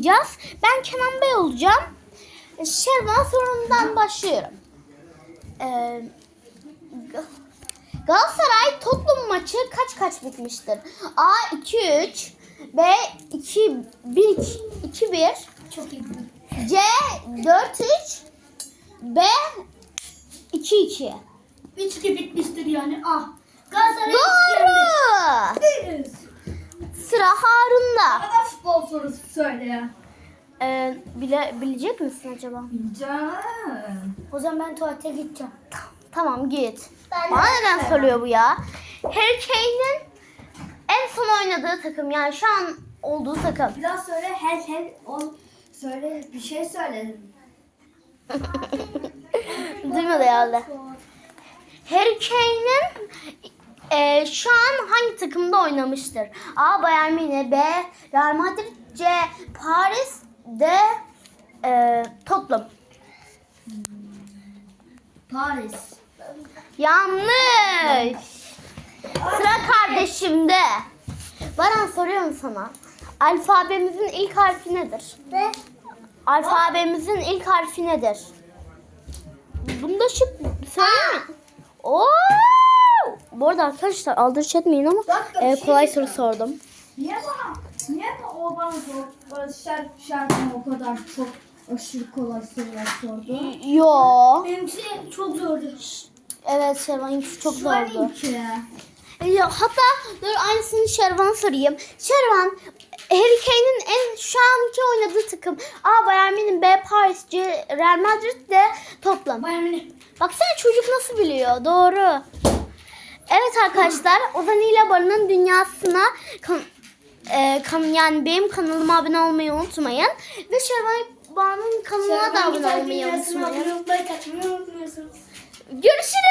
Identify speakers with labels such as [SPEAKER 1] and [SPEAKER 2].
[SPEAKER 1] oynayacağız. Ben Kenan Bey olacağım. Şervan sorundan başlıyorum. Galatasaray Tottenham maçı kaç bitmiştir? A 2-3, B 2-1,
[SPEAKER 2] Çok iyi.
[SPEAKER 1] C 4-3, B 2-2.
[SPEAKER 2] 3-2 bitmiştir yani. Ah. Galatasaray
[SPEAKER 1] Doğru.
[SPEAKER 2] Evet.
[SPEAKER 1] Sıra Harun'da.
[SPEAKER 2] Bana futbol sorusu söyle ya.
[SPEAKER 1] Bilecek misin acaba?
[SPEAKER 2] Canım. O zaman ben tuvalete gideceğim.
[SPEAKER 1] Tamam git.
[SPEAKER 2] Ben
[SPEAKER 1] Bana
[SPEAKER 2] de
[SPEAKER 1] neden
[SPEAKER 2] evet.
[SPEAKER 1] soruyor bu ya? Harry Kane'in en son oynadığı takım, yani şu an olduğu takım.
[SPEAKER 2] Biraz söyle söyle bir şey söyle.
[SPEAKER 1] Duymadı herhalde. Harry Kane'in şu an hangi takımda oynamıştır? A. Bayern Münih, B. Real Madrid, C. Paris, D. Tottenham.
[SPEAKER 2] Paris.
[SPEAKER 1] Yanlış. Sıra kardeşimde. Baran, soruyorum sana. Alfabemizin ilk harfi nedir?
[SPEAKER 2] Ne?
[SPEAKER 1] Alfabemizin ilk harfi nedir? Bunda şık söyleyeyim mi? Oo! Bu arada arkadaşlar aldırış etmeyin ama kolay soru sordum.
[SPEAKER 2] Niye o bana şarkımı o kadar çok aşırı kolay sorular sordu?
[SPEAKER 1] Yo.
[SPEAKER 2] Benimki çok zordu.
[SPEAKER 1] Evet, Şervan çok zordu.
[SPEAKER 2] Benimki.
[SPEAKER 1] Hatta dur, aynısını Şervan sorayım. Şervan, Harry Kane'in şu anki oynadığı takım A. Bayern Münih, B. Paris, C. Real Madrid, D. Tottenham.
[SPEAKER 2] Bayern Münih.
[SPEAKER 1] Baksana çocuk nasıl biliyor. Doğru. Evet arkadaşlar, Ozan ile Barı'nın dünyasına yani benim kanalıma abone olmayı unutmayın. Ve Şervan Bağ'ın kanalına da abone olmayı unutmayın. Görüşürüz.